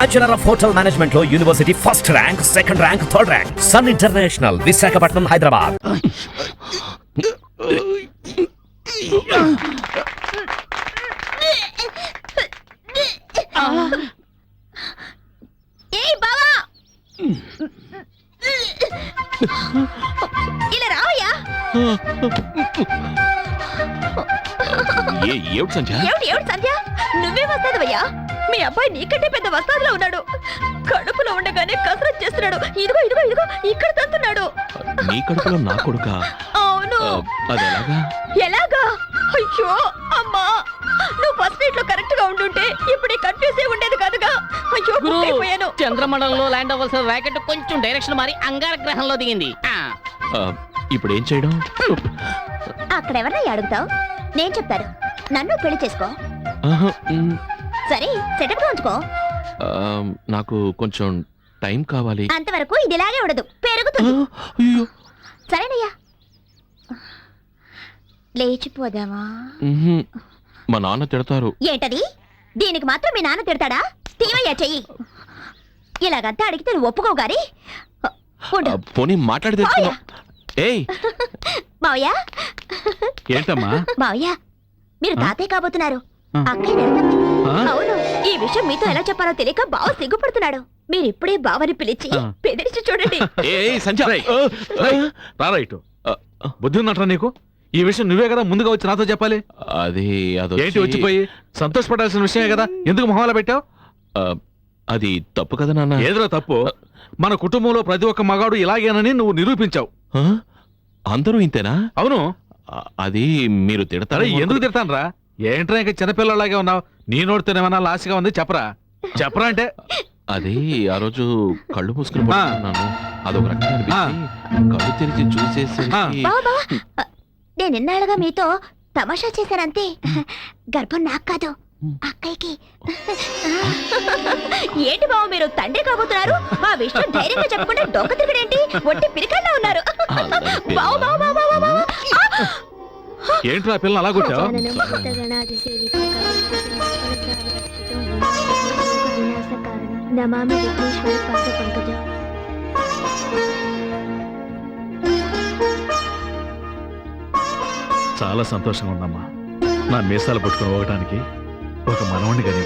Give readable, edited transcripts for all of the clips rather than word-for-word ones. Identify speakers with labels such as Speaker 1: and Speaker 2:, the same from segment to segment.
Speaker 1: Bachelor of hotel management లో university first rank, second rank, third rank. Sun International, Visakhapatnam, Hyderabad.
Speaker 2: ఇలా రావయ్యా.
Speaker 3: ఏమిటి సంధ్య?
Speaker 2: ఏమిటి సంధ్య, నువ్వే వస్తాదవయ్యా. మీ అబ్బాయి నీకంటే పెద్ద వస్తాదులో ఉన్నాడు. కడుపులో ఉండగానే కసరత్ చేస్తున్నాడు. ఇదిగో ఇదిగో ఇదిగో ఇక్కడ తంతున్నాడు.
Speaker 3: నీ కడుపులో నా కొడుకా?
Speaker 2: అవును.
Speaker 3: అది ఎలాగా?
Speaker 2: ఎలాగా? అయ్యో అమ్మా, నువ్వు ఫస్ట్ నైట్ లో కరెక్ట్ గా ఉండుంటే ఇప్పుడు కన్ఫ్యూజ్ అయి ఉండేది కాదుగా. అయ్యో అయిపోయాను.
Speaker 4: చంద్రమండలంలో ల్యాండ్ అవ్వాల్సిన రాకెట్ కొంచెం డైరెక్షన్ మారి అంగార గ్రహంలో దిగింది.
Speaker 3: ఇప్పుడు ఏం చేయడం?
Speaker 2: అక్కడ ఎవరినై అడుగుతావు? నేను చెప్తాను. నన్ను పెళ్లి చేసుకో. సరే, సెటప్ గా ఉంచుకో.
Speaker 3: నాకు కొంచెం టైం కావాలి.
Speaker 2: అంతవరకు ఇది ఇలాగే ఉండదు, పెరుగుతుంది. సరేనయ్యా, లేచిపోదామా?
Speaker 3: మా నాన్న తిడతారు.
Speaker 2: ఏంటది? దీనికి మాత్రం మీ నాన్న తిడతాడా? తీవయ్యా చెయ్యి. ఇలాగంతా అడిగితే నువ్వు ఒప్పుకోవు గారి.
Speaker 3: పోనీ మాట్లాడి తెచ్చుకున్నా. ఏయ్
Speaker 2: మావయ్య.
Speaker 5: ఏంటమ్మా?
Speaker 2: మావయ్య, మీరు తాతయ్య కాబోతున్నారు. అక్కయ్య అవును. ఈ విషయం మీతో ఎలా చెప్పాలో తెలియక బావ సిగ్గుపడుతున్నాడు. మీరు ఇప్పుడే బావని పిలిచి బెదిరించి చూడండి.
Speaker 5: రారైటు బుద్ధి ఉన్నట్రా నీకు? ఈ విషయం నువ్వే కదా ముందుగా వచ్చి నాతో చెప్పాలి.
Speaker 3: అది
Speaker 5: ఏంటి వచ్చిపోయి సంతోషపడాల్సిన విషయమే కదా, ఎందుకు మొహాల పెట్టావు?
Speaker 3: అది తప్పు కదా నాన్న.
Speaker 5: ఏదిరా తప్పు? మన కుటుంబంలో ప్రతి ఒక్క మగాడు ఇలాగేనని నువ్వు నిరూపించావు.
Speaker 3: అందరూ ఇంతేనా?
Speaker 5: అవును.
Speaker 3: అది మీరు తిడతారా?
Speaker 5: ఎందుకు తిడతాను రా? ఏంట్రా ఇంకా చిన్నపిల్లలాగే ఉన్నావు? నీ నోటితోనేమన్నా లాస్గా ఉంది, చెప్పరా చెప్పరా అంటే.
Speaker 3: అది ఆ రోజు కళ్ళు మూసుకుని పడుకున్నాను. అదొక రకంగా అనిపించి కళ్ళు తెరిచి చూసేసి
Speaker 2: నేను ఇన్నాళ్ళుగా మీతో తమాషా చేశానంతే. గర్భం నాకు కాదు, అక్కయ్యకి. ఏంటి బావ, మీరు తండ్రి కాబోతున్నారు? ఆ విషయం ధైర్యంగా చెప్పకుండా డొక్క తిరగడేంటి? ఒట్టి పిరికల్లా ఉన్నారు.
Speaker 5: ఏంట్రా పిల్లలు అలా కొట్టావు? చాలా సంతోషంగా ఉందమ్మా. నా మీసాలు పట్టుకుని పోవటానికి ఒక మనవణ్ణి కానీ.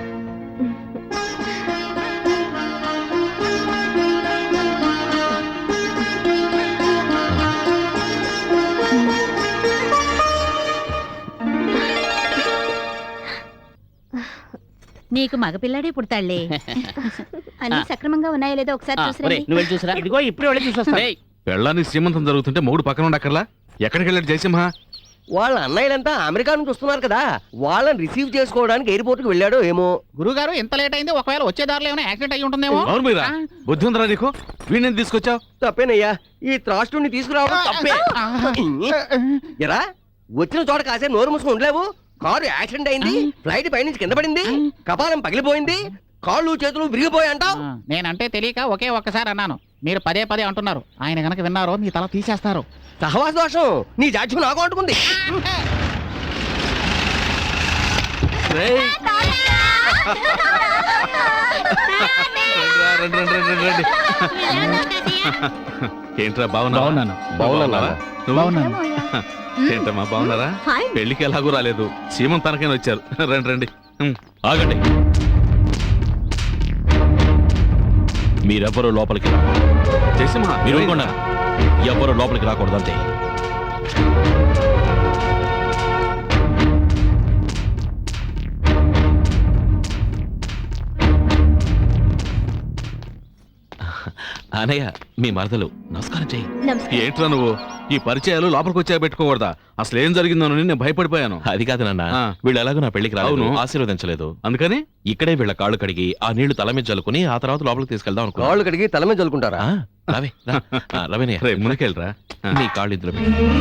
Speaker 2: నీకు మగపిల్లాడే పుడతాళ్లే. అన్ని సక్రమంగా ఉన్నాయో లేదో ఒకసారి
Speaker 4: చూసిరా. ఇదిగో ఇప్పుడే వెళ్ళి చూసొస్తా.
Speaker 5: పెళ్ళానికి శ్రీమంతం జరుగుతుంటే మూడు పక్కన ఉండక్కర్లా? ఎక్కడికి వెళ్ళాడు జయసింహ?
Speaker 6: వాళ్ళ అన్నయ్యలంతా అమెరికా నుంచి వస్తున్నారు కదా, వాళ్ళని రిసీవ్ చేసుకోవడానికి ఎయిర్పోర్ట్ కి వెళ్ళాడో ఏమో.
Speaker 4: గురుగారు ఎంత లేట్ అయింది? ఒకవేళ వచ్చే దారిలో ఏమైనా యాక్సిడెంట్ అయ్యి ఉంటుందేమో.
Speaker 5: అవును మీరా, బుద్ధి ఉందిరా నీకు? వీడిని తీసుకొచ్చావు?
Speaker 6: తప్పేనయ్యా, ఈ త్రాస్టుని తీసుకురావడం తప్పే. ఎరా, వచ్చిన చోట కాసే నోరు మూసుకుని ఉండలేవు. కారు యాక్సిడెంట్ అయింది, ఫ్లైట్ పైనుంచి కింద పడింది, కపాలం పగిలిపోయింది, కాళ్ళు చేతులు విరిగిపోయి అంటావు.
Speaker 4: నేనంటే తెలియక ఒకే ఒక్కసారి అన్నాను, మీరు పదే పదే అంటున్నారు. ఆయన గనక విన్నారో మీ తల తీసేస్తారు.
Speaker 6: సహవాస దోషం నీ జాడ్యం నాకు అంటుకుంది.
Speaker 5: ఏంట్రా బాగున్నాను? ఏంటమ్మా బాగున్నారా? పెళ్లికి ఎలాగూ రాలేదు, సీమంతానికైనా వచ్చారు. రండి రండి.
Speaker 3: ఆగండి, మీరెవ్వరూ లోపలికి రా.
Speaker 5: జయసింహ
Speaker 3: మీరు ఎవ్వరూ లోపలికి రాకూడదు అంతే. అనయ్య, మీ మరదలు. నమస్కారం చెయ్యి.
Speaker 5: ఏంట్రా నువ్వు ఈ పరిచయాలు లోపలికి వచ్చా పెట్టుకోకూడదా? అసలు ఏం జరిగిందోనని నేను భయపడిపోయాను.
Speaker 3: అది కాదు నాన్న, వీళ్ళు ఎలాగో నా పెళ్లికి రావును ఆశీర్వదించలేదు.
Speaker 5: అందుకని
Speaker 3: ఇక్కడే వీళ్ళ కాళ్ళు కడిగి ఆ నీళ్లు తల మీద జల్లుకుని ఆ తర్వాత లోపలికి తీసుకెళ్దాం అనుకో.
Speaker 6: కాళ్ళు కడిగి తల మీద జల్లుకుంటారా?
Speaker 3: రవే రవేనయ్య,
Speaker 5: ముందుకెళ్ళరా.
Speaker 3: నీ కాళ్ళు ఇందులో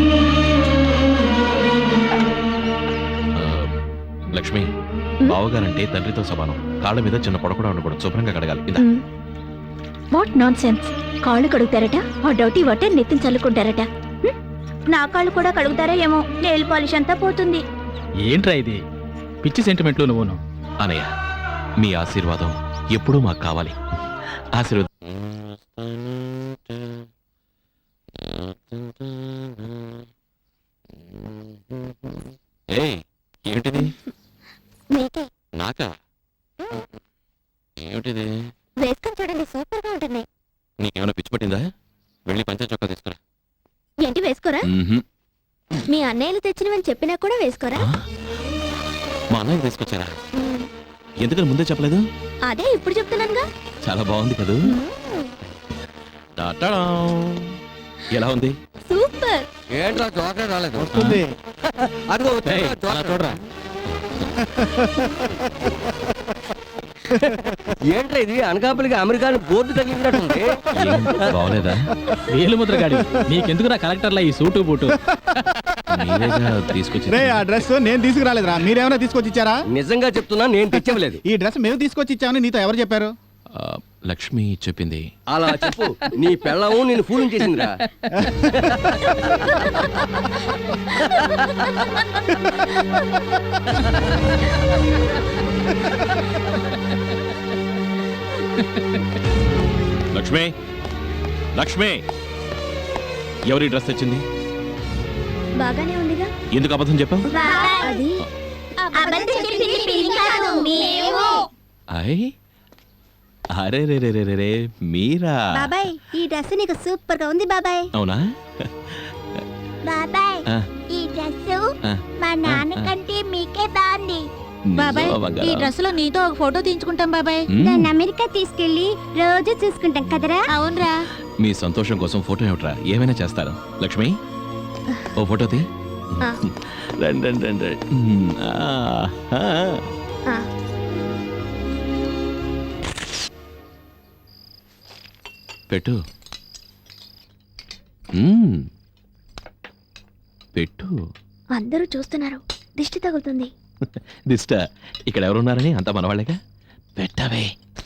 Speaker 3: లక్ష్మి, బావగారంటే తండ్రితో సమానం. కాళ్ళ మీద చిన్న పొడ కూడా ఉండకూడదు, శుభ్రంగా కడగాలి. ఇందా.
Speaker 2: What nonsense. కాళ్ళు కడుగుతారట, ఆ డౌటీ వాటర్ నెత్తిన చల్లుకుంటారట. నా కాళ్ళు కూడా కడుగుతారా ఏమో, నెయిల్ పాలిష్ అంతా పోతుంది.
Speaker 7: ఏంట్రా ఇది పిచ్చి సెంటిమెంట్లు నువ్వును?
Speaker 3: అనయ్య, మీ ఆశీర్వాదం ఎప్పుడూ మాకు కావాలి. ఆశీర్వాదం. ఏయ్, ఏమిటిది? నాకా? ఏమిటిది?
Speaker 2: వేసుకొని చూడండి, సూపర్ గా ఉంటుంది.
Speaker 3: నీకేమైనా పిచ్చి పట్టిందా? వెళ్ళి పంచ చొక్కా తీసుకురా.
Speaker 2: ఏంటి వేసుకోరా? మీ అన్నయ్యలు తెచ్చినవని చెప్పినా కూడా వేసుకోరా?
Speaker 3: మా అన్నయ్య తీసుకొచ్చారా? ఎందుకని ముందే చెప్పలేదు?
Speaker 2: అదే ఇప్పుడు చెప్తున్నానుగా.
Speaker 3: చాలా బాగుంది కదూ. ఎలా ఉంది?
Speaker 2: సూపర్.
Speaker 6: ఏంట్రా చాక్లెట్ రాలేదు?
Speaker 7: వస్తుంది.
Speaker 6: అదిగో
Speaker 3: ఏయ్, అలా చూడరా.
Speaker 6: ఏంట్రా ఇది అనకాపల్లికి అమెరికాని బోర్డు తగిలినట్టుంది.
Speaker 3: బాగలేదా?
Speaker 4: వేలుముద్ర గాడి నీకెందుకు నా కలెక్టర్లా ఈ సూటు బూటు?
Speaker 3: మీరేగా తీసుకొచ్చి.
Speaker 7: రే, ఆ డ్రెస్ నేను తీసుకురాలేదురా, మీరేమైనా తీసుకొచ్చి ఇచ్చారా?
Speaker 6: నిజంగా చెప్తున్నా, నేను తెచ్చవలేదు.
Speaker 7: ఈ డ్రెస్ మేము తీసుకొచ్చి ఇచ్చామని నీతో ఎవరు చెప్పారు?
Speaker 3: లక్ష్మి చెప్పింది.
Speaker 6: అలా చెప్పు. నీ పెళ్ళము నేను ఫూల్ చేసిందిరా.
Speaker 3: లక్ష్మి, లక్ష్మి, ఎవరి డ్రెస్ తెచ్చింది?
Speaker 2: బాగానే ఉందిగా.
Speaker 3: ఎందుకు అబద్ధం చెప్పావు?
Speaker 2: అది అబద్ధం చెప్పింది పిన్ని కాదు, మేము.
Speaker 3: అయ్, అరే రే రే రే రే రే, మీరా?
Speaker 2: బాబాయ్, ఈ డ్రెస్ నీకు సూపర్ గా ఉంది బాబాయ్.
Speaker 3: అవునా?
Speaker 2: బాబాయ్,
Speaker 3: ఆ,
Speaker 2: ఈ డ్రెస్
Speaker 3: ఆ,
Speaker 2: మా నాన్న కంటే మీకే బాగుంది.
Speaker 3: నిజమా బంగారం?
Speaker 2: లో నీతో ఒక ఫోటో తీయించుకుంటాం బాబాయ్.
Speaker 3: మ్మ్.
Speaker 2: దాన్ని అమెరికా తీసుకెళ్లి రోజు చూసుకుంటాం కదరా. అవునరా.
Speaker 3: మీ సంతోషం కోసం ఫోటో ఏమిట్రా, ఏమైనా చేస్తారు. లక్ష్మి, ఓ ఫోటో తీ.
Speaker 2: ఆ.
Speaker 3: రండి రండి రండి. పెట్టు. పెట్టు.
Speaker 2: అందరూ చూస్తున్నారు, దిష్టి తగులుతుంది.
Speaker 3: దిష్ట? ఇక్కడ ఎవరున్నారని అంత మనవాళ్ళేగా. పెట్టవే.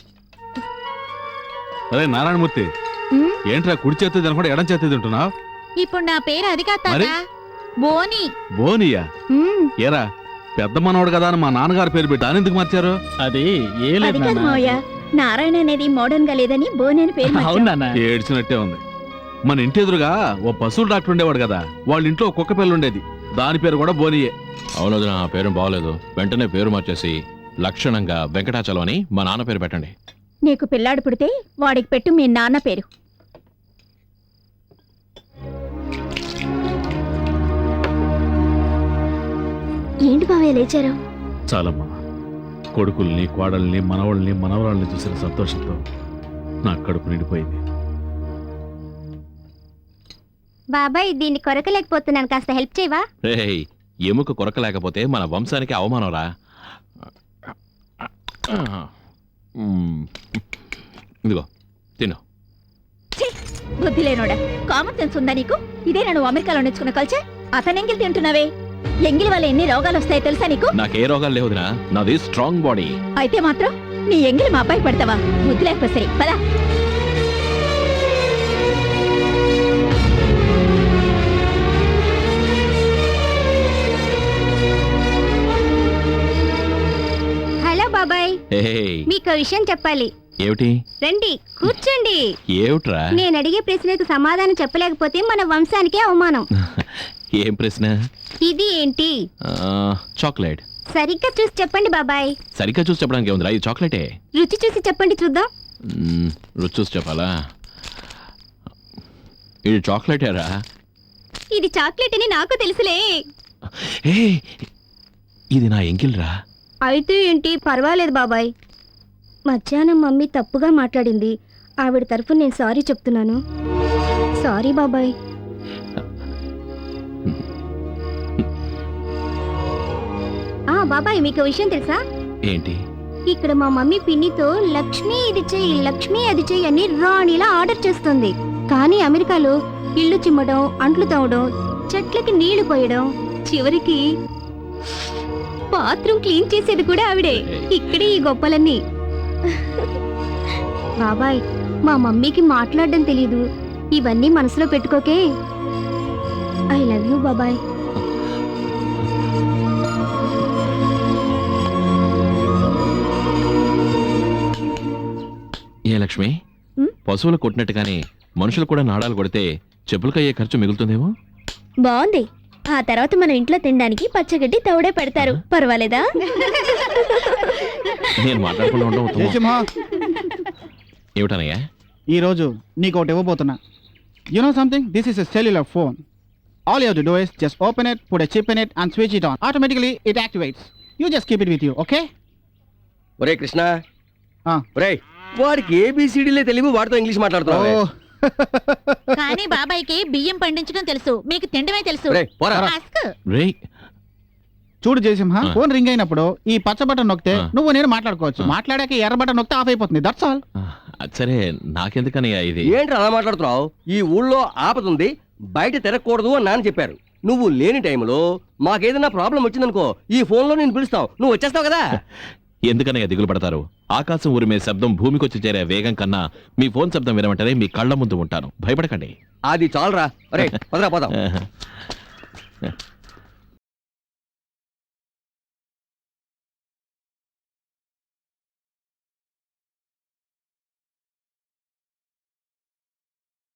Speaker 5: అరే నారాయణమూర్తి, ఏంట్రా కుడి చేతి తినకుండా ఎడం చేతి తింటున్నావు?
Speaker 2: ఇప్పుడు నా పేరు అది కాదు
Speaker 5: మరి?
Speaker 2: బోని.
Speaker 5: బోనియా? ఏరా, పెద్ద మనోడు కదా అని మా నాన్నగారు పేరు పెట్టి దాని ఎందుకు మార్చారు?
Speaker 4: అది ఏ లేదు నాన్న.
Speaker 2: నారాయణ అనేది మోడర్న్ గా లేదని బోని అని పేరు
Speaker 4: అవును నాన్న.
Speaker 5: ఏడ్చినట్టే ఉంది. మన ఇంటి ఎదురుగా ఓ పశువుల డాక్టర్ ఉండేవాడు కదా, వాళ్ళ ఇంట్లో కుక్క పిల్ల ఉండేది, దాని పేరు కూడా బోనియే.
Speaker 3: అవును, నా పేరు బాగోలేదు. వెంటనే పేరు మార్చేసి లక్షణంగా వెంకటాచలం అని మా నాన్న పేరు పెట్టండి.
Speaker 2: నీకు పిల్లాడు పుడితే వాడికి పెట్టు మీ నాన్న పేరు. ఏంటి బావయ్య లేచారు?
Speaker 5: చాలమ్మా, కొడుకుల్ని కోడల్ని మనవళ్ళని మనవరాళ్ళని చూసిన సంతోషంతో నా కడుపు నిండిపోయింది.
Speaker 2: బాబాయ్, దీన్ని కొరకలేకపోతున్నాను, కాస్త హెల్ప్ చేయవా?
Speaker 3: రేయ్, ఎముక కొరకలేకపోతే మన వంశానికి అవమానంరా. ఇదిగో తిను.
Speaker 2: బుద్ధి లేనోడా, కామన్ సెన్స్ ఉందా నీకు? ఇదే నువ్వు అమెరికాలో నేర్చుకున్న కల్చర్. అతను ఎంగిల్ తింటున్నావే, ఎంగిల్ వల్ల ఎన్ని రోగాలు వస్తాయో తెలుసా నీకు?
Speaker 3: నాకే రోగాలు లేవుదినా, నాది స్ట్రాంగ్ బాడీ.
Speaker 2: అయితే మాత్రం నీ ఎంగిల్ మా అబ్బాయి పెడతావా? బుద్ధి లేకపోతే సరే పదా. హలో బాబాయ్,
Speaker 3: ఏయ్,
Speaker 2: మీకు విషయం చెప్పాలి.
Speaker 3: ఏమిటి?
Speaker 2: రండి కూర్చోండి.
Speaker 3: ఏమిట్రా?
Speaker 2: నేను అడిగే ప్రశ్నకు సమాధానం చెప్పలేకపోతే మన వంశానికే అవమానం.
Speaker 3: ఏం ప్రశ్న?
Speaker 2: ఇది ఏంటి?
Speaker 3: చాక్లెట్.
Speaker 2: సరిగ్గా చూసి చెప్పండి బాబాయ్.
Speaker 3: సరిగ్గా చూసి చెప్పడానికి ఏముందిరా, ఇది చాక్లెటే.
Speaker 2: రుచి చూసి చెప్పండి చూద్దాం.
Speaker 3: రుచి చూసి చెప్పాలా? ఇది చాక్లెటేరా.
Speaker 2: ఇది చాక్లెట్ అని నాకు తెలుసులే.
Speaker 3: ఏ, ఇది నా ఎంకిల్రా.
Speaker 2: అయితే ఏంటి, పర్వాలేదు బాబాయ్. మధ్యాహ్నం మమ్మీ తప్పుగా మాట్లాడింది, ఆవిడ తరఫున నేను సారీ చెప్తున్నాను. సారీ బాబాయ్. బాబాయ్, మీకు విషయం తెలుసా?
Speaker 3: ఏంటి?
Speaker 2: ఇక్కడ మా మమ్మీ పిన్నితో లక్ష్మి ఇది చెయ్యి, లక్ష్మి అది చెయ్యి అని రాణిలా ఆర్డర్ చేస్తుంది. కానీ అమెరికాలో ఇల్లు చిమ్మడం, అంట్లు తవ్వడం, చెట్లకి నీళ్లు పోయడం, చివరికి బాత్రూమ్ క్లీన్ చేసేది కూడా ఆవిడే. ఇక్కడే ఈ గొప్పలన్నీ. బాబాయ్, మా మమ్మీకి మాట్లాడడం తెలీదు, ఇవన్నీ మనసులో పెట్టుకోకే. ఐ లవ్ యూ బాబాయ్.
Speaker 3: ఏ లక్ష్మి
Speaker 2: ఉమ్?
Speaker 3: పశువులు కొట్టినట్టుగానే మనుషులు కూడా నాడాలు కొడితే చెప్పులకయ్యే ఖర్చు మిగులుతుందేమో.
Speaker 2: బాగుంది. ఆ తర్వాత మనం ఇంట్లో తినడానికి పచ్చగడ్డి తౌడే పెడతారు. పర్వాలేదా?
Speaker 3: నేను మాట్లాడకుండా ఉండడం ఉత్తమం.
Speaker 7: జయసింహ,
Speaker 3: ఏమిటనయ్యా?
Speaker 7: ఈ రోజు నీకు ఒకటి ఇవ్వబోతున్నా. You know something, this is a cellular phone. All you have to do is just open it, put a chip in it and switch it on. Automatically it activates. You just keep it with you, okay?
Speaker 6: ఒరే కృష్ణ,
Speaker 7: ఆ.
Speaker 6: ఒరే వాడికి ఏబిసిడీలే తెలివి, వాడితో English మాట్లాడుతున్నావు.
Speaker 7: ఓ,
Speaker 8: కానీ బాబాయ్కి బియ్యం పండించడం తెలుసు, మీకు తిండమే తెలుసు.
Speaker 6: ఒరేయ్, పోరా.
Speaker 8: అస్క్.
Speaker 3: రేయ్,
Speaker 7: చూడు జయసింహ,
Speaker 3: ఆ.
Speaker 7: ఫోన్ రింగ్ అయినప్పుడు ఈ పచ్చ బటన్ నొక్కితే
Speaker 3: ఆ.
Speaker 7: నువ్వు నేను మాట్లాడుకోవచ్చు.
Speaker 3: ఆ.
Speaker 7: మాట్లాడాక ఎర్ర బటన్ నొక్కితే ఆఫ్ అయిపోతుంది. That's all.
Speaker 3: అది సరే, నాకెందుకనయ్యా ఇది?
Speaker 6: ఏంటి అలా మాట్లాడుతున్నావు? ఈ ఊళ్ళో ఆపదుంది, బయట తిరగకూడదు అని నాన్న చెప్పారు. నువ్వు లేని టైంలో మాకేదైనా ప్రాబ్లం వచ్చిందనుకో, ఈ ఫోన్ లో నేను పిలుస్తావు, నువ్వు వచ్చేస్తావు కదా.
Speaker 3: ఎందుకనయ్యా దిగులు పడతారు? ఆకాశం ఊరిమే శబ్దం భూమికొచ్చి చేరే వేగం కన్నా మీ ఫోన్ శబ్దం వినమంటేనే మీ కళ్ళ ముందు ఉంటాను. భయపడకండి.
Speaker 6: అది చాలరా. అరే పదరా పోదాం.